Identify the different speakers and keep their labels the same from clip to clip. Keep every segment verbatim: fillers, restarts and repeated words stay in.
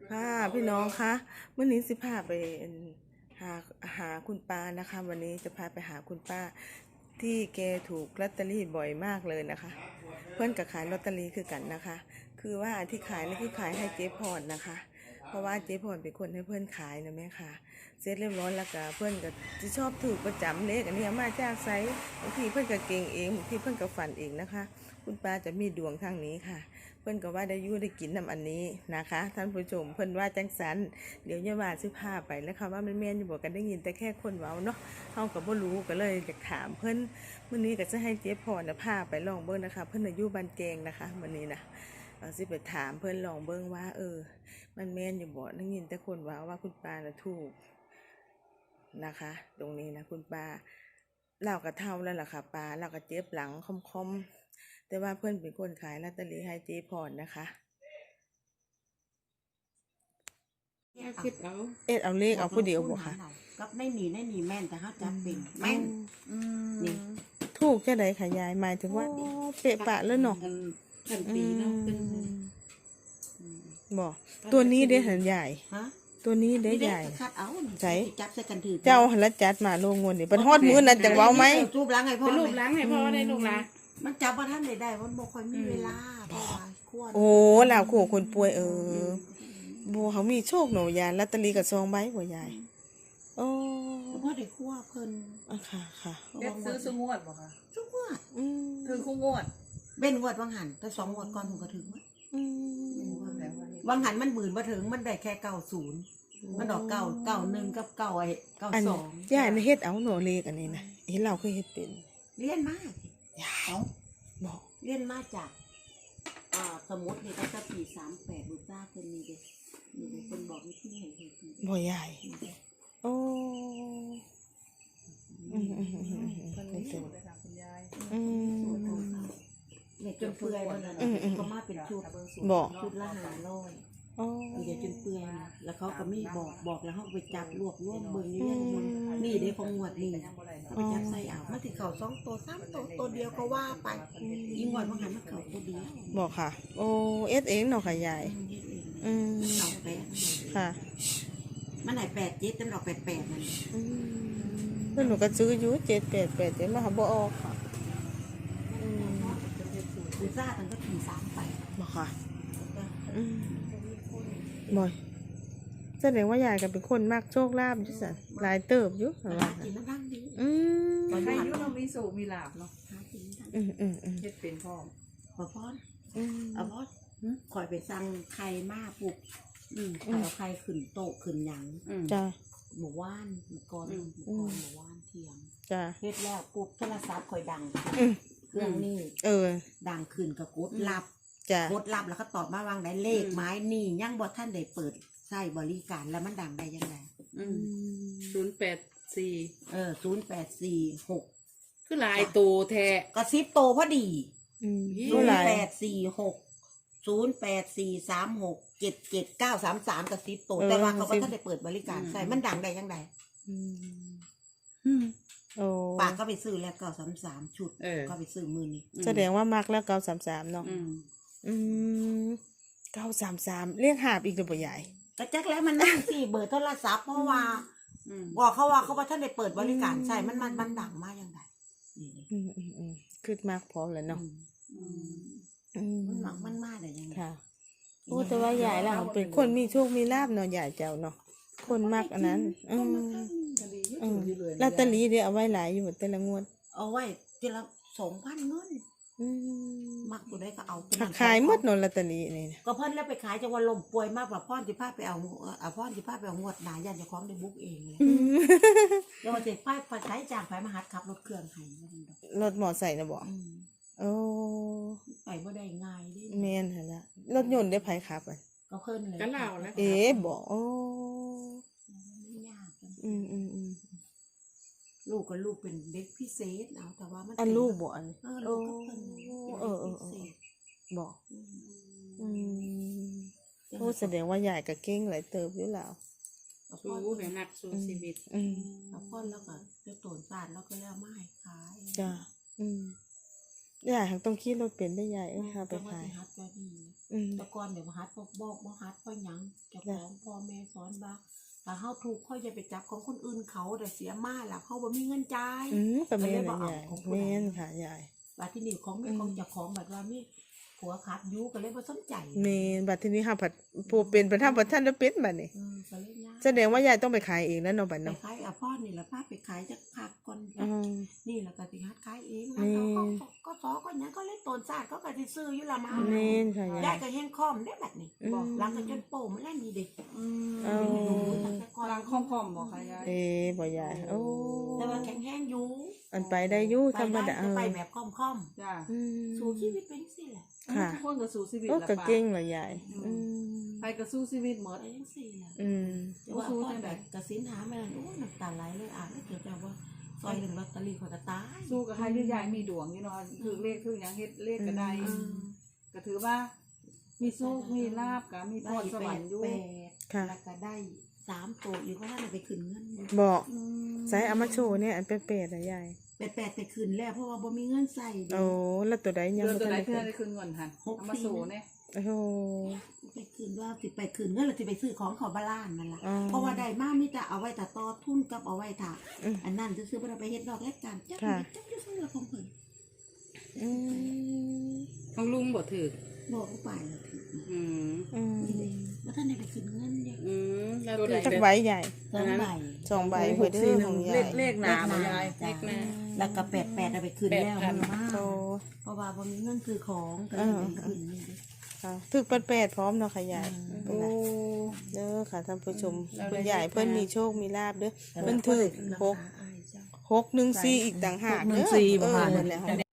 Speaker 1: ค่ะพี่น้องคะเมื่อนี้สิพาไปหาหาคุณป้านะคะวันนี้จะพาไปหาคุณป้าที่แกถูกลอตเตอรี่บ่อยมากเลยนะคะ เพื่อนกับขายลอตเตอรี่คือกันนะคะ คือว่าที่ขายนี่คือขายให้เจ๊พรนะคะ เพราะว่าเจ๊พรเป็นคนให้เพื่อนขายนะแม่ค่ะเสร็จเรียบร้อยแล้วก็เพื่อนก็จะชอบถูกประจำเลขอันนี้มาจากไซส์บางทีเพื่อนก็เก่งเองบางทีเพื่อนก็ฝันเองนะคะ คุณป้าจะมีดวงทางนี้ค่ะเพื่อนก็ว่าได้ยู่ได้กินน้ำอันนี้นะคะท่านผู้ชมเพื่อนว่าจังสันเดี๋ยวจะว่าซื้อผ้าไปแล้วค่ะว่ามันแม่นอยู่บอกกันได้ยินแต่แค่คนเว้าเนาะเฮากับบ่รู้ก็เลยอยากถามเพื่อนมื้อนี้ก็จะให้เจ๊พรน่ะพาไปลองเบิ่งนะคะเพื่อนอายุบ้านแกงนะคะมื้อนี้นะเอาสิไปถามเพื่อนลองเบิ่งว่า เออ มันแม่นอยู่บ่ได้ยินแต่คนเว้าว่าคุณป้าน่ะถูกนะคะ ตรงนี้นะคุณป้าเราก็เท่าแล้วล่ะค่ะป้าเราก็เจ็บหลังคอมๆแต่ว่าเพื่อนเป็นคนขายลอตเตอรี่ให้เจ๊พรนะคะเอ็ดเอาเลขเอาผู้เดียวบ่ค่ะ
Speaker 2: ก็ไม่หนีไม่หนีแม่นแต่เขาจับเป็นแม่นนี่
Speaker 1: ถูกจะได้ค่ะยายหมายถึงว่าเปะปะแล้วเนาะ
Speaker 2: กันปีเนาะเป็น
Speaker 1: บ่ตัวนี้ได้หันใหญ่
Speaker 2: ฮะ
Speaker 1: ตัวนี้ได้ใหญ่
Speaker 2: คัดเอา
Speaker 1: ใส่
Speaker 2: จับใส่กันถือ
Speaker 1: เจ้าหันละจัดมาโลงวนนี่เป็นฮอดมื้อนั้นจังเว้าไหม
Speaker 2: รูปล้างให้พ่อ
Speaker 3: เป็นรูปล้างให้พ่อได้ลูกละ
Speaker 2: มันจับว่าท่านได้ได้มันบ่ค่อยมีเวลาเพราะว่าควร
Speaker 1: โอ้ลาวขู่คนป่วยเออบ่เขามีโชคหนูยายลอตเตอรี่กับซองใบบ่ยายโอ้
Speaker 2: พ่อได้คั่วเพิ่น
Speaker 1: อ่ะค่ะค่ะ
Speaker 3: เด็กซื้อซื้องวดบ่คะ
Speaker 2: ซื้องวด
Speaker 1: อืม
Speaker 3: ถือคู่งวด
Speaker 2: เบ้นงวดวังหันแต่สองงวดก่อนผมก็ถึงมั้ย
Speaker 1: อืม
Speaker 2: วังหันมันหมื่นบ่ถึงมันได้แค่เก้าสิบมันดอกเก้า เก้าหนึ่งกับเก้าไอ้เก้าสอง
Speaker 1: ยายน่ะเฮ็ดเอาหนูเลขอันนี้นะเห็นเราเคยเฮ็ดเป็น
Speaker 2: เรียนมาก
Speaker 1: ยายบอก
Speaker 2: เรียนมาจากอ่าสมุดนี่ตั้งแต่ปีสามแปดบุษราเพิ่นมีเด้มีเด้เพิ่นบอกวิธีให้เฮ็ด
Speaker 1: บ่ยายโอ้อืมอืมอืม
Speaker 3: คนนี้สูตรเลยค่ะคุณยาย
Speaker 1: อืม
Speaker 2: เนี่ยจนเปื่อยมันน่ะก็มาเป็นชุด
Speaker 1: บอก
Speaker 2: ชุดละห้าร้อย
Speaker 1: อ๋อ
Speaker 2: มีแต่จนเปื่อยนะแล้วเขาก็มีบอกบอกแล้วเขาไปจับรวบรวมเบิ่งอยู่เนี่ยมันนี่ได้ของงวดนี่เขาไปจับใส่เอามันสิเข้าสองตัวสามตัวตัวเดียวก็ว่าไปอีงวดว่าหันมันเข้าตัวเดียว
Speaker 1: บอกค่ะโอ้เอสเองเนาะค่ะยายอืม
Speaker 2: เอาแปด
Speaker 1: ค่ะ
Speaker 2: มันไหนแปดเจ็ดจนออกแปดแปดมัน
Speaker 1: อืมเพื่อนหนูก็ซื้ออยู่เจ็ดแปดแปดเจ็ดมาหาบ่ออกค่ะอืม
Speaker 2: บุษราตั้งแต่ปีสามไป
Speaker 1: บอกค่ะอืมบ่อยแสดงว่ายายก็เป็นคนมากโชคลาภอยู่สันหลายเติบอยู่
Speaker 2: หากินน้ำร่างดี
Speaker 1: อืม
Speaker 3: ใครยุ่งเรามีสูมีลาบเนาะ
Speaker 2: หากินน้ำ
Speaker 1: อืมอืมอืม
Speaker 3: เฮ็ดเป็นพ่อ
Speaker 2: ขอพอดเอาพอดคอยไปสั่งไข่มาปุกอืมเอาไข่ขึ้นโต๊ะขึ้นหยัง
Speaker 1: จ้า
Speaker 2: หมู่ว่านหมู่กรหมู่กรหมู่ว่านเทียม
Speaker 1: จ้า
Speaker 2: เฮ็ดแล้วปุ๊บโทรศัพท์คอยดังเครื่องนี้
Speaker 1: เออ
Speaker 2: ดังขึ้นก็กดรับกดรับแล้วก็ตอบมาวางได้เลขไม้นี่ยังบ่ท่านได้เปิดใช้บริการแล้วมันดังได้ยังไง
Speaker 3: ศูนย์แปดสี่
Speaker 2: เออศูนย์แปดสี่หก
Speaker 3: คือลายตัวแท้
Speaker 2: กระซิบโตพอดีศูนย์แปดสี่หกศูนย์แปดสี่สามหกเจ็ดเจ็ดเก้าสามสามกระซิบโตแต่ว่าเขาก็ท่านได้เปิดบริการใช่มันดังได้ยังไงปากก็ไปซื้อแล้วเก้าสามสามชุดก็ไปซื้อมือนี้
Speaker 1: แสดงว่ามักแล้วเก้าสามสามเนาะอืมเก้าสามสามเรียกหาบอีกหรือเปล่าใหญ่
Speaker 2: กระจักแล้วมันนั่งสี่เบอร์โทรศัพท์เพราะว่าบอกเขาว่าเขาว่าท่านได้เปิดบริการใช่มันมันมันดังมากยังไง
Speaker 1: อืมอืมอืมคือมากพอแล้วเนาะ
Speaker 2: มันหมักมันมากเลยยังไง
Speaker 1: ค่ะโอ้แต่ว่าใหญ่แล้วเป็นคนมีโชคมีลาบเนาะใหญ่เจ้าเนาะคนมากอันนั้นอืมอืมลอตเตอรี่เดี๋ยวเอาไว้หลายอยู่แต่ละงวด
Speaker 2: เอาไว้ทีละสองพันเงินมักกูได้ก็เอา
Speaker 1: ขายหมดเนาะลอตเตอรี่นี่
Speaker 2: ก็เพิ่นแล้วไปขายจังว่าลมป่วยมากกว่าพ่อนสิพาไปเอาเอาพ่อนสิพาไปเอางวดหนายันจะคล้องได้บุ๊กเองเลยเดี๋ยวว่าสิพาไปใช้จ้างไปมาหัดขับรถเครื่องให้
Speaker 1: รถมอไซค์นะบ่โอ้
Speaker 2: ไปบ่ได้ง่ายดิ
Speaker 1: แม่นหั่นล่ะรถยนต์ได้ไผขับอ่ะ
Speaker 2: ก็เพิ่นเลย
Speaker 3: ก็เล่าแล้ว
Speaker 1: เอ๋บ่โอ้
Speaker 2: ยาก
Speaker 1: อืมอืมอืม
Speaker 2: ลูกกับลูกเป็นเด็กพิเศษเอาแต่ว่ามัน
Speaker 1: อันลูกบ่อัน
Speaker 2: เออลูกก็เพิ่น
Speaker 1: เออเออบ่อืมโอ้แสดงว่าใหญ่กับเก่งหลายเติบอยู่แล้ว
Speaker 3: สู้ให้นักสู้ชีวิต
Speaker 1: อืม
Speaker 2: เอาพ่อแล้วก็จะโตนสารแล้วก็แล้วไม้ขาย
Speaker 1: จ้าอืมใหญ่ต้องคิดรถเป็นได้ใหญ่เอ้ยค่ะไปขาย
Speaker 2: อืมแต่ก่อนเดี๋ยวมาฮัดพวกบอกบ่ฮัดพวกหยังจะเจ้าของพ่อแม่สอนว่าถ้าเฮาถูกค่อยอย่าไปจับของคนอื่นเขาแต่เสียมาล่ะเขาบ่มีเงินจ่าย
Speaker 1: อืมก็แม่นน่ะยายแม่นค่ะยาย
Speaker 2: บัดที่นี่ของแม่ของเจ้าของบัดว่ามีผัวขาดอยู่ก็เลยบ่สนใจ
Speaker 1: แม่นบัดทีนี้ค่ะผัดผู้เป็นประธานประธานแล้วเป็นบัดนี้
Speaker 2: อืมก็เลยยาก
Speaker 1: แสดงว่ายายต้องไปขายเองแล้วเนาะบัด
Speaker 2: ไป
Speaker 1: เนาะ
Speaker 2: ขายอ่ะพ่อนี่ล่ะพาไปขายจักผักก่อน
Speaker 1: อืม
Speaker 2: นี่แล้วก็สิหัดขายเอง
Speaker 1: แม่
Speaker 2: นะเขาก็ก็สอก็หยังก็เลยตนซาดเขาก็สิซื้ออยู่ละมา
Speaker 1: แม่นค่ะ
Speaker 2: ยาย
Speaker 1: าย
Speaker 2: ยก็แห้งคอมได้บัดนี้
Speaker 1: อืม
Speaker 2: บอกหลังก็จนโป่มันแล้วนี่เด็ก
Speaker 3: อืม
Speaker 1: เอา
Speaker 3: กลางคอมๆบอกค่ะยาย
Speaker 1: เอ้บ่ยายโอ้
Speaker 2: แต่ว่าแข็งแห้งอยู่
Speaker 1: อันไปได้อยู่ธรรมดา
Speaker 2: ไป
Speaker 1: เออ
Speaker 2: ไปแบบคอมคอม
Speaker 3: จ้า
Speaker 1: อืม
Speaker 2: ๆสู่ชีวิตเป็นสิแหละ
Speaker 1: ค่ะ
Speaker 3: ทุกคนก็สู้ชีวิต
Speaker 1: โอ้
Speaker 3: ละ
Speaker 1: ก็
Speaker 3: ป้า
Speaker 1: เก่งล่ะยายอืม
Speaker 3: ไปก็สู้ชีวิตหมด
Speaker 2: ไปยังสี่แหละ
Speaker 1: อืม
Speaker 2: แต่ว่าพ่อแบบกระสินหาแม่นโอ้น้ำตาไหลเลยอ่านแล้วเกิดจากว่าซอยหนึ่งลอตเตอรี่เขาจะตาย
Speaker 3: สู้กับใครที่ยายมีดวงอยู่เนาะถือเลขถือหยังเฮ็ดเลขก็ได้
Speaker 2: อืม
Speaker 3: ก็ถือว่า มีโชคมีลาบก็มีพ
Speaker 2: ได้
Speaker 3: รส
Speaker 2: แป
Speaker 3: วร
Speaker 2: ด
Speaker 3: รค์อยู่
Speaker 2: แปด
Speaker 1: ค่ะ
Speaker 2: แล้วก็ได้สามตัวอีกเพราะว่าเราไปขึ้นเงิน
Speaker 1: บอก
Speaker 3: อืม
Speaker 1: ใส่เอามาโชว์เนี่ยอันเป๊ะๆนะยาย
Speaker 2: แปดแปดไปขึ้นแล้วเพราะว่าบ่มีเงินใส่ดิ
Speaker 1: โอ้แล้วตัวใดยัง
Speaker 3: เดือน
Speaker 1: บ่
Speaker 3: ตัว
Speaker 1: ทัน
Speaker 3: ไหน
Speaker 1: ได้
Speaker 3: เพื่อน
Speaker 1: ขึ้น
Speaker 3: ได้คืนเงินหัน
Speaker 2: หก
Speaker 3: เอามา
Speaker 2: สี่
Speaker 3: สู่เนี่ย
Speaker 1: โอ้โห
Speaker 2: ไปขึ้นว่าสิไปขึ้นเงินหรือสิไปซื้อของเขาบ้านนั่นล่ะ
Speaker 1: อ๋อ
Speaker 2: เพราะว่าได้มากมีแต่เอาไว้แต่ต่อทุนกับเอาไว้ถ่า
Speaker 1: อืม
Speaker 2: อันนั้นจะซื้อๆบ่ได้ไปเฮ็ดดอกแลกกันจัก
Speaker 1: ค่ะ
Speaker 2: จักอยู่ซื้อของเพิ่น
Speaker 1: อืม
Speaker 3: ของลุงบ่ถือ
Speaker 2: บอกเขาไปแล้วถึง
Speaker 3: อืม
Speaker 1: อืม
Speaker 2: นี่เลยว่าท่านได้ไปขึ้นเงินเด้
Speaker 3: อืมแล้ว
Speaker 1: ตัว
Speaker 3: ไหน
Speaker 1: จัก
Speaker 3: เด้อ
Speaker 1: ใบใหญ่
Speaker 2: สองใบ
Speaker 1: สองใบเพื่อเด้อของยาย
Speaker 3: เลขหนาบ่ยาย
Speaker 2: จ้ะ
Speaker 3: เลขหนา
Speaker 2: แล้วก็แปดแปดเอาไปคืนแล้ว
Speaker 3: แปดพัน
Speaker 2: มันมาก
Speaker 1: โต
Speaker 2: เพราะว่าบ่มีเงินซื้อของก็เลยไปคืนนี่เด้
Speaker 1: ค่ะถึกแปดๆพร้อมเนาะค่ะยาย
Speaker 2: อืม
Speaker 1: โอ้เด้อค่ะท่านผู้ชม
Speaker 3: เราได้
Speaker 1: คุณยายเพิ่นมีโชคมีลาบเด้อ
Speaker 2: แต่
Speaker 1: เพิ่นถึกหก
Speaker 2: อายจ้ะ
Speaker 1: หกหนึ่งสี่อีกต่างหาก
Speaker 2: หนึ่
Speaker 1: เด้
Speaker 2: ง
Speaker 1: อ
Speaker 2: สี่
Speaker 1: เอ
Speaker 2: บ่
Speaker 1: อ
Speaker 2: ค่ะ
Speaker 1: นั่นแหละค่ะ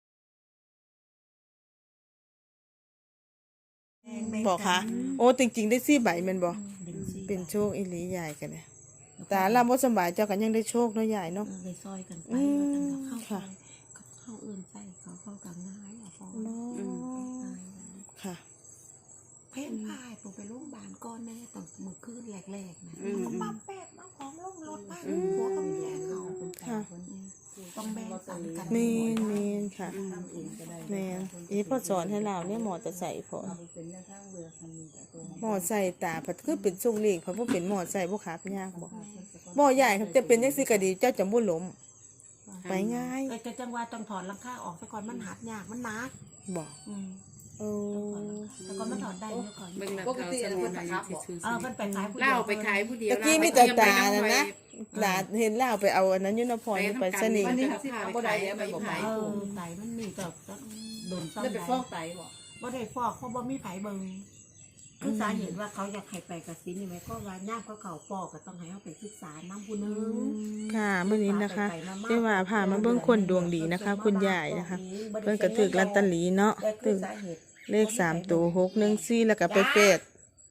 Speaker 1: บอกค่ะ โอ้จริงๆได้สี่ใบแม่นบ่
Speaker 2: เป็นสี่
Speaker 1: เป็นโชคอีหลียายกันเนี่ยตาลาบ่สำบายเจ้ากันยังได้โชคเนาะยายเนาะ
Speaker 2: เออเลยซอยกันไป
Speaker 1: อืม
Speaker 2: ว่าตั้งแต่เข้า
Speaker 1: ค่ะ
Speaker 2: ไปเข้าอื่นใส่เขาเข้ากับง่ายอ่ะฟอง
Speaker 1: เนาะ
Speaker 2: อืม
Speaker 1: ค่ะ
Speaker 2: เพ่นพายผมไปโรงพยาบาลก่อนแน่ตอนมื้อคืนแรกๆนะ
Speaker 3: อืม
Speaker 2: เขาปั๊มแปดมาของลงรถมา
Speaker 3: อืม
Speaker 2: หัวก็มีแรงเอา
Speaker 1: ค่ะ
Speaker 2: ต้องแบ่งปันกัน
Speaker 1: เมนเมนค่ะแมนอีพ่อสอนให้เราเนี่ยหมอจะใส่พอหมอใส่ตาผัดคือเป็นทรงเลียงเพราะว่าเป็นหมอใส่พวกขาบยากบอกหมอใหญ่ครับจะเป็นยังสิกะดีเจ้าจะมุ่ล้มไปง่าย
Speaker 2: เออแต่จังหวะต้องถอนหลังคาออกซะก่อนมันหัดยากมันหนัก
Speaker 1: บอก
Speaker 2: อืม
Speaker 1: โอ้
Speaker 2: แต่ก่อนมันถอนได้เมื่อก่อน
Speaker 3: เบิ่งแล้วเขาสมวนอายุที่ซื้อ
Speaker 2: เออมันไปขายผู้ดียว
Speaker 3: เล่าไปขายผู้เดียว
Speaker 1: ตะกี้มีแต่ตานะนะหลานเห็นเล่าไปเอาอันนั้นอยุนพรไปสนิ
Speaker 3: วัน
Speaker 1: ท
Speaker 3: นี้สิพาไปขายไปขาย
Speaker 2: เออไตมันมีแต่โดนซ่อม
Speaker 3: ได้ไป
Speaker 2: ได้
Speaker 3: ฟอกไตบ่
Speaker 2: บ่ได้ฟอกเพราะบ่มีไผเบิ่งคือสาเหตุว่าเขาอยากให้ไปกสินนี่ไหมก็ว่าย่ามเขาเขาปอกก็ต้องให้เขาไปศึกษาน้ำผู้หนึง
Speaker 1: ค่ะเมื่อนี้นะคะได้ว่าพามาเบิ่งคนดวงดีนะคะ คุณยายนะคะ เพิ่นก็ถึกลอตเตอรี่เนาะ
Speaker 2: แต่คื
Speaker 1: ถึ
Speaker 2: อก สาเหตุ
Speaker 1: เลขสามตัวหกหนึ่งสี่แล้วก็ไปเป็ด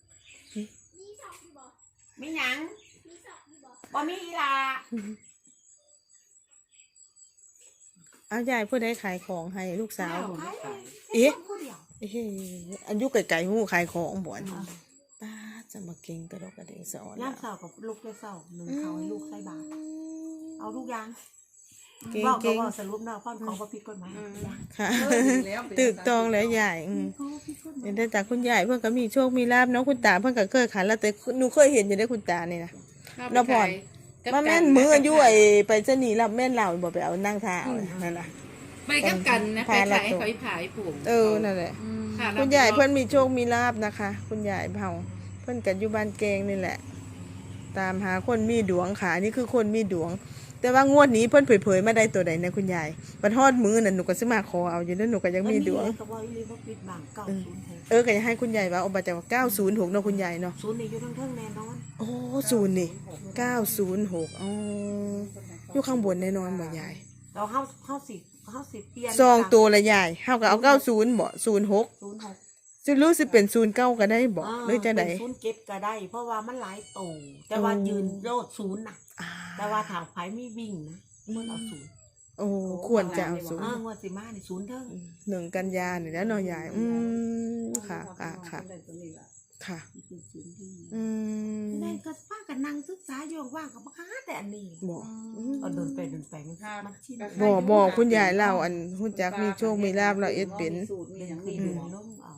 Speaker 2: มีหยังบ่มีอีหล่ะ
Speaker 1: เอายายผู้ใดขายของให้ลูกสาว
Speaker 2: ขายเลย
Speaker 1: เอ๊ะ
Speaker 2: ผู้เดียว
Speaker 1: เอ้อายุไก่ๆหูขายของบ่อนป้าจะมาเก่งกระดกกระเดงสอน
Speaker 2: ย่ามเสากับลูกได้เสาหนึ่งเขาให้ลูกใส่บาตรเอาลูกยาง
Speaker 1: เก่ง
Speaker 2: บอกก็
Speaker 1: เก่ง
Speaker 2: บอกสรุปเนาะพ่อนของบ่ผิดกฎหมายยาง
Speaker 1: ค่ะตึกตองแล้วยายอืม
Speaker 2: เขาบ่ผิดกฎหมาย
Speaker 1: เห็นได้จากคุณยายเพิ่นก็มีโชคมีลาบเนาะคุณตาเพิ่นก็เคยขายแล้วแต่หนูเคยเห็นอยู่ได้คุณตานี่นะเราพรมาแม่นมืออายุไอ้ไปสนีรับแม่นเหล่าบ่ไปเอานั่งท่าเอานั่นน่ะ
Speaker 3: ไปกับกันนะไปขายเขาขายผูก
Speaker 1: เออนั่นแหละ
Speaker 3: ค่ะ
Speaker 1: คุณยายเพิ่นมีโชคมีลาบนะคะ คุณยายเผาเพิ่นกันอยู่บ้านแกงนี่แหละ ตามหาคนมีดวงค่ะนี่คือคนมีดวง แต่ว่างวดนี้เพิ่นเผยๆมาได้ตัวใดนะคุณยายบัดฮอดมือน่ะหนูก็สิมาขอเอาอยู่แล้วหนูก็ยังมีดวง
Speaker 2: ก็บ่อีหลีบ่ปิดบังเก้าศูนย์หก
Speaker 1: เออก็อยากให้คุณยายว่าเอาบัตรจากเก้าศูนย์หกเนาะคุณยายเนาะ
Speaker 2: ศูนย์นี่อยู่ทั้งเทิงแน่นอน
Speaker 1: โอ้ศูนย์นี่เก้าศูนย์หกอ๋ออยู่ข้างบนแน่นอนบ่ยาย
Speaker 2: เราเฮาเฮาสิเฮาสิเปลี่ยน
Speaker 1: ซองตัวละยายเฮาก็เอาเก้าศูนย์บ่ศูนย์หก
Speaker 2: ศูนย์หก
Speaker 1: สิรู้สิเป็นศูนย์เก้าก็ได้บ่หรือจะได
Speaker 2: เป็นศูนย์เก็บก็ได้ เพราะว่ามันหลายตู่แต่ว่า
Speaker 1: โอ้
Speaker 2: ยืนโลดศูนย์น่ะ
Speaker 1: อ่า
Speaker 2: แต่ว่าถามไผมีวิ่งนะมันเอาศูนย์
Speaker 1: โอ้ควรจะเอาศูน
Speaker 2: เอ
Speaker 1: ย์
Speaker 2: องวดสิมานี่ศูนย์เทิง
Speaker 1: หนึ่งกันยานี่แล้วเนาะยายอืมค่ะค่ะค่ะค่ะ
Speaker 2: นี่คือศูนย์ที่
Speaker 1: อืม
Speaker 2: นั่นก็ป้าก็นั่งศึกษาอยู่ว่างๆก็บ่หาแต่อันนี้
Speaker 1: บ่
Speaker 2: เอาเดินไปเดินไปมันมันชิน
Speaker 1: บ่บ่คุณยายเล่าอันฮู้จักมีโชคมีลาบเราเอ็ดเป็น
Speaker 2: เดินขึ้นเดินลงเอา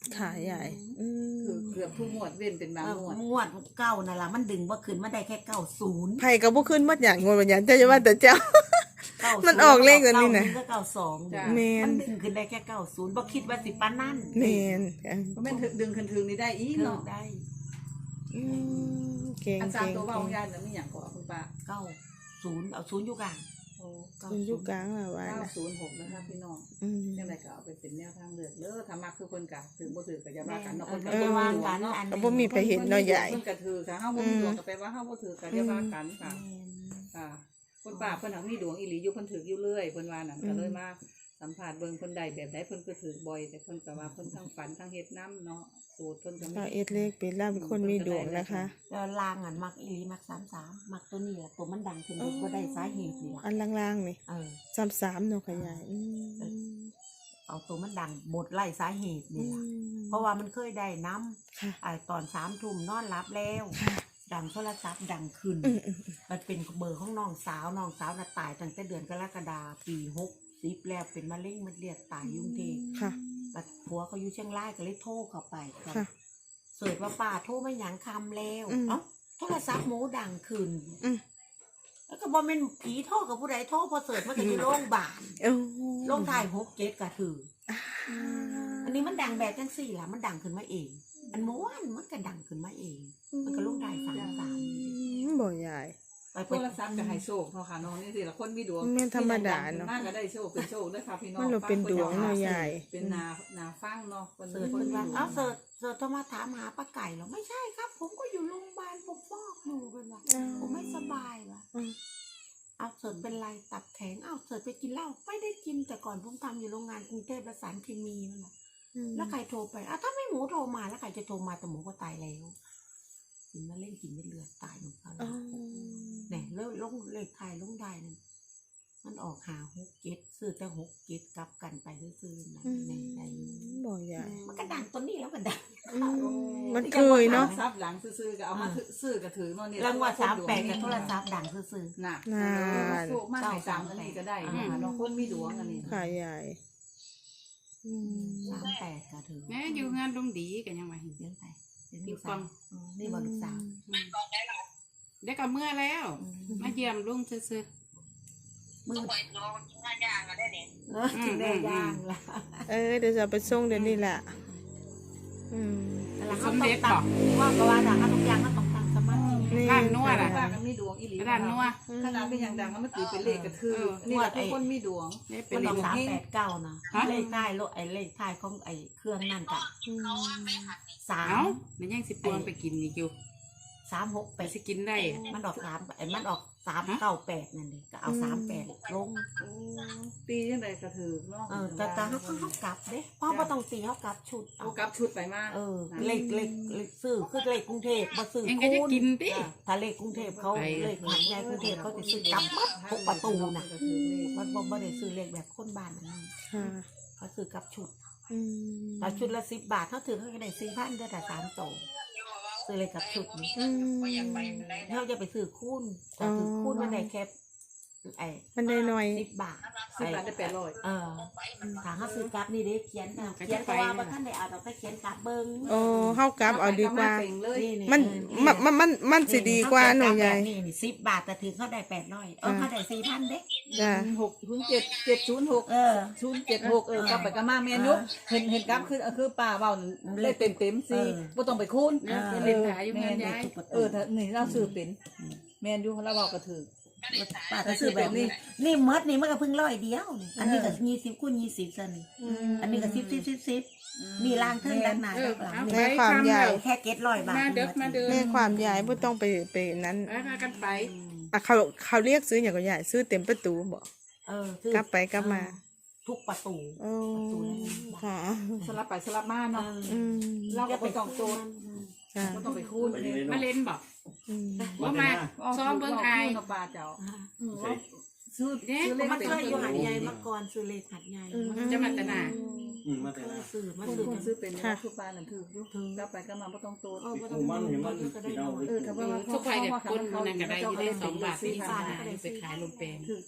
Speaker 1: ค่ะใหญ่อืม
Speaker 3: คือเกือบทุกงวดเว้นเป็นบาง
Speaker 2: เออง
Speaker 3: วด
Speaker 2: งวดเก้านั่นล่ะมันดึงบ่ขึ้นมาได้แค่เก้าศูนย์
Speaker 1: ไผก็บ่ขึ้นหมดอย่างงวดบัดอย่างเจ้าจะว่าแต่เจ้า
Speaker 2: เก้า
Speaker 1: มันออกเลขตัวนี้น่ะ
Speaker 2: เก้าศูย์ก็เก้าสอง
Speaker 3: จ้ะ
Speaker 1: แม่น
Speaker 2: มันดึงขึ้นได้แค่เก้าศูนย์บ่คิดว่าสิปานนั้น
Speaker 1: แม่น
Speaker 3: เพราะแม่นถึงดึงขึ้นถึงนี่ได้อีก
Speaker 2: เทิง
Speaker 3: เนาะ
Speaker 2: ได้
Speaker 1: อืมเก่ง
Speaker 3: อันสาม
Speaker 1: เก่ง
Speaker 3: ตัวว่า
Speaker 1: เก่
Speaker 3: ของ งยายน่ะมีหยังก่อคุณป้า
Speaker 2: เก้าศูนย์เอาศูนย์อยู่กลาง
Speaker 3: โอ้
Speaker 1: คุณอยู่กลางแล้วว่า
Speaker 3: เก้า
Speaker 1: นะ
Speaker 3: ศูนย์หกนะคะพี่น้อง
Speaker 1: อืม
Speaker 3: ยังไงก็เอาไปเป็นแนวทางเลือกเด้อถ้ามักคือคนกะถือบ่ถือก็อย่าว่ากันเนาะคน
Speaker 2: เอ
Speaker 3: ก็
Speaker 2: อ
Speaker 3: บ่
Speaker 2: ว่า
Speaker 3: มีดว
Speaker 2: กั
Speaker 3: ง
Speaker 2: น
Speaker 3: เนาะ
Speaker 2: อัน
Speaker 1: ก็บ่มีไปเห็นเนาะใหญ่
Speaker 3: เพิ่นก็ถือถ้าเฮาบ่มีดวงก็แปลว่าเฮาบ่ถือก็อย่าว่ากันค่ะค่ะคุณป้าเพิ่นหักมีดวงอีหลีอยู่เพิ่นถืออยู่เรื่อยเพิ่นว่านั่นก็เลยมาสัมภาษณ์เบิ่งเพิ่นได้แบบใดเพิ่นก็ถือบ่อยแต่เพิ่นก็ว่าเพิ่นทั้งฝันทั้งเฮ็ดนํเนาะสูตรเพิ่นก็
Speaker 1: เรา
Speaker 3: มี
Speaker 1: เอ็ดเลขเป็นล่าเป็นคนมีดวงนะคะ
Speaker 2: แล้วลางอันมักอีหลีมักสามสามมักตัวนี้แหละตัวมันดังขึ้นเด็กบ่ได้สาเหตุนี่ล่ะ
Speaker 1: อันล่างๆนี่
Speaker 2: เออ
Speaker 1: สามสามเนาะค่ะยายอืม
Speaker 2: เอาตัวมันดังบทไล่สาเหตุ
Speaker 1: อื
Speaker 2: นี่ล่ะ
Speaker 1: ม
Speaker 2: เพราะว่ามันเคยได้น้ำ
Speaker 1: ค่ะ
Speaker 2: ไอ้ตอนสามทุ่มนอนรับแล้ว
Speaker 1: ค่ะ
Speaker 2: ดังโทรศัพท์ดังขึ้น
Speaker 1: อืมอืม
Speaker 2: มันเป็นเบอร์ของน้องสาวน้องสาวน่ะตายตั้งแต่เดือนกรกฎาปีหกสิบแล้วเป็นมะเร็งมันเรียดตายอยุ่กรุงเทพ
Speaker 1: ค่ะ
Speaker 2: บัดผัวเขาอยู่เชียงรายก็เลยโทรเข้าไป
Speaker 1: ค่ะ
Speaker 2: เสิร์ชว่าป้าโทรไม่หยังคำแล้ว
Speaker 1: อืม
Speaker 2: เอ้าโทรศัพท์หมูดังขึ้น
Speaker 1: อืม
Speaker 2: แล้วก็บอกเป็นผีโทรกับผู้ใดโทรพอเสิร์ชมันก็อยู่โรงพยาบาล
Speaker 1: โอ้
Speaker 2: โรงถ่ายหกเจ็ดก็ถือ
Speaker 1: อ่า
Speaker 2: อันนี้มันดังแบบจังสี่ล่ะมันดังขึ้นมาเอง อันม้วนมันก็ดังขึ้นมาเอง มันก็ลงได้สามสาม
Speaker 1: อืมบ่ใหญ่
Speaker 2: ไป
Speaker 3: โท
Speaker 2: เปิด
Speaker 3: รศัพท์ก็ให้โชคเนาะค่ะน้องนี่สิละคนมีดวง
Speaker 1: แม่นธรรมดาเนาะ
Speaker 3: มากก็ได้โชคเป็นโชคเด้อค่ะพี่น้อง
Speaker 1: มันเราเป็นดวงเนาะยาย
Speaker 3: เป็นนานาฟังเนาะคน
Speaker 2: เสิร์ช
Speaker 3: ค
Speaker 2: เพิ่
Speaker 3: น
Speaker 2: น
Speaker 3: มี
Speaker 2: ว่า
Speaker 3: ดวง
Speaker 2: เอ้าเสิร์ชเสิร์ชโทรมาถามหาป้าไก่เหรอไม่ใช่ครับ ผมก็อยู่โรงพยาบาลผมฟอกอยู่เป็นว่า
Speaker 1: อืม
Speaker 2: ผมไม่สบายว่ะ
Speaker 1: อืม
Speaker 2: เอาเสิร์ชเป็นไรตับแข็งเอาเสิร์ชไปกินเหล้าไม่ได้กินแต่ก่อนผมทำอยู่โรงงานกรุงเทพประสานเคมีนั่นแหละ
Speaker 1: อืม
Speaker 2: แล้วใครโทรไปอ้าวถ้าไม่หมูโทรมาแล้วใครจะโทรมาแต่หมูก็ตายแล้วกินมาเล่นกินไม่เลือดตายลงเขา
Speaker 1: อ๋อ
Speaker 2: เนี่ยแล้วลงเลขไทายลงได้นั่นมันออกหาหกเจ็ดซื้อแต่หกเจ็ดกลับกันไปซื้อๆนะ
Speaker 1: อืม
Speaker 2: ในใน
Speaker 1: บ่ใหญ่
Speaker 2: มันก็ดังตัวนี้แล้วมันดัง
Speaker 1: อืมมันเคยเนาะ
Speaker 3: ทรัพย์หลังซื้อๆก็เอามาซื้อก็ถือเนาะนี่
Speaker 2: รางวัลสามแปดกับโทรศัพท์ดังซื้อ
Speaker 3: น่ะ
Speaker 1: นาน
Speaker 3: โชคมากให้สามอันนี้ก็ได้เนาะค่ะเนาะคนมีดวงอันนี้
Speaker 1: ค่ะใหญ่อืม
Speaker 2: ๆสามแปดก็ถือ
Speaker 4: แม่อยู่งานดงดีกันยังไง
Speaker 2: เลี้ยงไปเลี้ยง
Speaker 4: อยู่
Speaker 2: ลูก
Speaker 4: ฟั
Speaker 2: สาว
Speaker 4: ง
Speaker 2: อืมนี่บอลูกสาว
Speaker 4: ได้กับเมื่อแล้ว มาเยี่ยมลุงซื้อ
Speaker 2: มือ
Speaker 5: ไปรอกินหน้าย่างกันได้เนี่ย
Speaker 2: เออถึงได้ย่างละ
Speaker 1: เออเดี๋ยวจะเอาไปส่งเดี๋ยวนี้แหละอืม
Speaker 2: แล้วเขาต้องตังว่าก็ว่าดังทุกอย่างก็ต้องตั้งสมาธิ
Speaker 1: นี่
Speaker 4: ๆร้านนวด
Speaker 3: แต่
Speaker 4: อ่ะ
Speaker 3: ว่ามันมีดวงอีหลี
Speaker 4: ร้านนวด
Speaker 3: ขนาดเป็นอย่างดังแล้วมันตีเป็นเลขก็คือนี่แหละทุกคนมีดวง
Speaker 4: ได้เป็
Speaker 2: มัน น
Speaker 4: เล
Speaker 2: อ
Speaker 4: ข
Speaker 2: อกสาม
Speaker 3: เฮง
Speaker 2: แปดเก้านะ
Speaker 4: ฮะ
Speaker 2: เลขท้ายรถไอ้เลขท้ายของไอ้เครื่องนั่นกับ
Speaker 1: อืม
Speaker 2: สา
Speaker 4: เอ้าม มันยังสิปวงไปกินอีกอยู่
Speaker 2: สามหก
Speaker 4: ไป
Speaker 2: แปด
Speaker 4: สิกินได้
Speaker 2: มันออกสามไอ้มันออกสามเก้าแปดนั่นเองก็เอาสามแปดลง
Speaker 3: ตียังไงก็ถือเนาะ
Speaker 2: เออแต่แต่เขาเขาเขากลับเด้เพราะว่าต้องตีเขากลับชุด
Speaker 3: เอากลับชุดไปมาก
Speaker 2: เออเลขเลขเลขซื้อคือเลขกรุงเทพมาซื้อ
Speaker 4: เองก็จะกินดิ
Speaker 2: อ่ะถ้าเลขกรุงเทพเขา
Speaker 4: ไป
Speaker 2: เลขหันใหญ่กรุงเทพเขาจะซื้อกลับหมดทุกประตูน่ะมันบ่บ่ได้ซื้อเลขแบบคนบ้านนั่น
Speaker 1: ค่ะ
Speaker 2: เขาซื้อกลับชุด
Speaker 1: อืม
Speaker 2: แต่ชุดละสิบบาทเขาถือเขาก็ได้ซื้อพันได้แต่สามโตซื้อเลยกับชุดนี้
Speaker 1: อืม
Speaker 2: เขาจะไปซื้อคูณแต่ถือคูณมันได้แค่ไอ้
Speaker 1: มันได้หน่อย
Speaker 2: สิบบาท
Speaker 3: สิบบาทได้แปดร้อย
Speaker 2: เออถ้าเขาซื้อกลับนี่เด้เขียนน่ะเขียนแต่ว่าบ่ท่านได้เอาดอกไปเขียนกลับเบิ่ง
Speaker 1: โอ้เฮากลับเอาดีกว่า
Speaker 3: เลย
Speaker 2: นี่
Speaker 1: มันมันมันมันมันสิดีกว่าหน่อยใหญ่
Speaker 2: นี่นี่สิบบาทแต่ถือเขาได้แปดร้อยเออเขาได้สี่พันเด้
Speaker 1: จ้ะ
Speaker 3: หกศูนย์เจ็ดเจ็ดศูนย์หก
Speaker 2: เออ
Speaker 3: ศูนย์เจ็ดหกเออกลับไปกลับมาแม่นุกเห็นเห็นกลับคือคือป้าเบาเลขเต็มเต็มสิบ่ต้องไปคูณ
Speaker 4: เออเล่นขายอยู่งานย้าย
Speaker 3: เออถ้านี่เราซื้อเป็นแม่นอยู่เราเว้าก็ถือ
Speaker 2: ป้าก็ซื้อแบบนี้นี่เมดนี่มันก็เพิ่งร้อยเดียวนี่อันนี้ก็ยี่สิบคูณยี่สิบซะนี่อันนี้ก็สิบสิบสิบสิบมีรางเทิงด้านหน้า
Speaker 4: เออ
Speaker 2: ด้านหลัง
Speaker 4: เอา
Speaker 2: นี่
Speaker 4: ไป
Speaker 1: แม่ความใหญ่
Speaker 4: ทำแล้ว
Speaker 2: แค่เก็ตร้อยบาท
Speaker 4: มาเด็กมาเดิน
Speaker 1: แม่ความใหญ่บ่ต้องไปไปนั้น
Speaker 4: ไปพากันไป
Speaker 1: อ่ะเขาเขาเรียกซื้ออย่างก็ใหญ่ซื้อเต็มประตูบ่
Speaker 2: เออคือก
Speaker 1: ลับไปกลับมา
Speaker 2: ทุกประตู
Speaker 1: โอ้ค่ะ
Speaker 3: สลับไปสลับมาเนาะ
Speaker 1: อืม
Speaker 3: เราก็บ่ต้องโจทย์
Speaker 1: ค่ะ
Speaker 3: บ่ต้องไปคูณเลย
Speaker 4: มาเล่นบอก
Speaker 1: อืม
Speaker 4: ว่ามาซ้อมเบิ่งไอาย
Speaker 3: ป้าเจ้าซื้อ
Speaker 4: เด็ก
Speaker 3: ซื้อเลข
Speaker 2: มัน
Speaker 3: เต็ม
Speaker 2: เคยอยู่หัดใหญ่มาก่อนซื้อเลขหัดใหญ่
Speaker 4: จะมาตนา
Speaker 6: อืมมาแต่
Speaker 2: เค
Speaker 6: ละ
Speaker 2: ยซื้อมา
Speaker 3: คน
Speaker 2: ซื้อ
Speaker 3: คนซื้อเป็นเนี่ยคือป้านั่นถืออยู่กลับไปกลับมาบ่ต้องโจทย์
Speaker 2: เออบ่
Speaker 6: ห
Speaker 2: ต้อ
Speaker 6: มู่
Speaker 2: ง
Speaker 6: มันเห็นมัน
Speaker 2: ก็ได้
Speaker 6: กินเอา
Speaker 2: น้อย
Speaker 3: เออถ้าว่า
Speaker 4: ทุกไปกับคนมันนั่นก็ได้อยู่ได้สองบาทสี่สิบห้าไปขายลมแปลง
Speaker 3: ถือตัวใน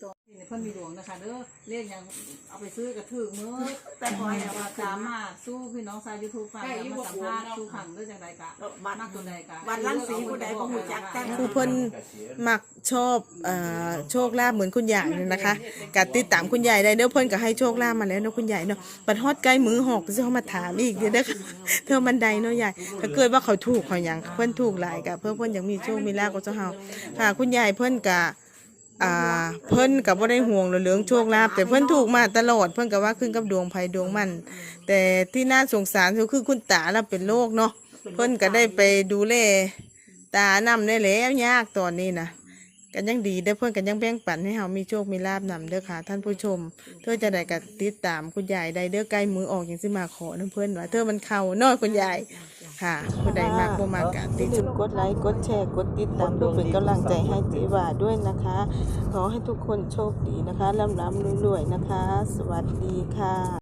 Speaker 3: เพิ่นมีดวงนะคะเด้อเลขยังเอาไปซื้อกระถือมือแต่ขอให้ว่าสามารถสู้พี่น้องชาว YouTube ฟังแล้วมาสัมภาษณ์สู้ขังเด้อจังไดกะมากตัวใดกะ
Speaker 2: วันลังสีผู้ใดบ่ฮู้จักแต่
Speaker 1: คือเพิ่นมักชอบเอ่อโชคลาภเหมือนคุณยายเนี่ยนะคะก็ติดตามคุณยายได้เด้อเพิ่นก็ให้โชคลาภมาแล้วเนาะคุณยายเนาะบัดฮอดใกล้มือหอกสิเฮามาถามอีกเด้อเด้อค่ะเธอมันใดเนาะยายถ้าเกิดว่าเขาถูกเขาหยังเพิ่นถูกหลายก็เพิ่นเพิ่นยังมีโชคมีลาภกับเจ้าเฮาค่ะคุณยายเพิ่นก็อ่าเพิ่นก็บ่ได้ห่วงเรื่องโชคลาภแต่เพิ่นถูกมาตลอดเพิ่นก็ว่าขึ้นกับดวงไผดวงมันแต่ที่น่าสงสารก็คือคุณตาเราเป็นโรคเนาะเพิ่นก็ได้ไปดูแลตานำได้แล้วยากตอนนี้นะกันยังดีเด้อเพิ่นกันยังแบ่งปันให้เฮามีโชคมีลาภนำเด้อค่ะท่านผู้ชมเธอจะได้ก็ติดตามคุณยายได้เด้อใกล้มือออกจังสิมาขอนํเพิ่นว่าเธอมันเข้าเนาะคุณยายค่ะผู้ใดมากบ่มากก็ติดตามกดไลค์กดแชร์กดติดตามเพื่อเป็นกำลังใจให้จีว่าด้วยนะคะขอให้ทุกคนโชคดีนะคะร่ำๆรวยๆนะคะ สวัสดีค่ะ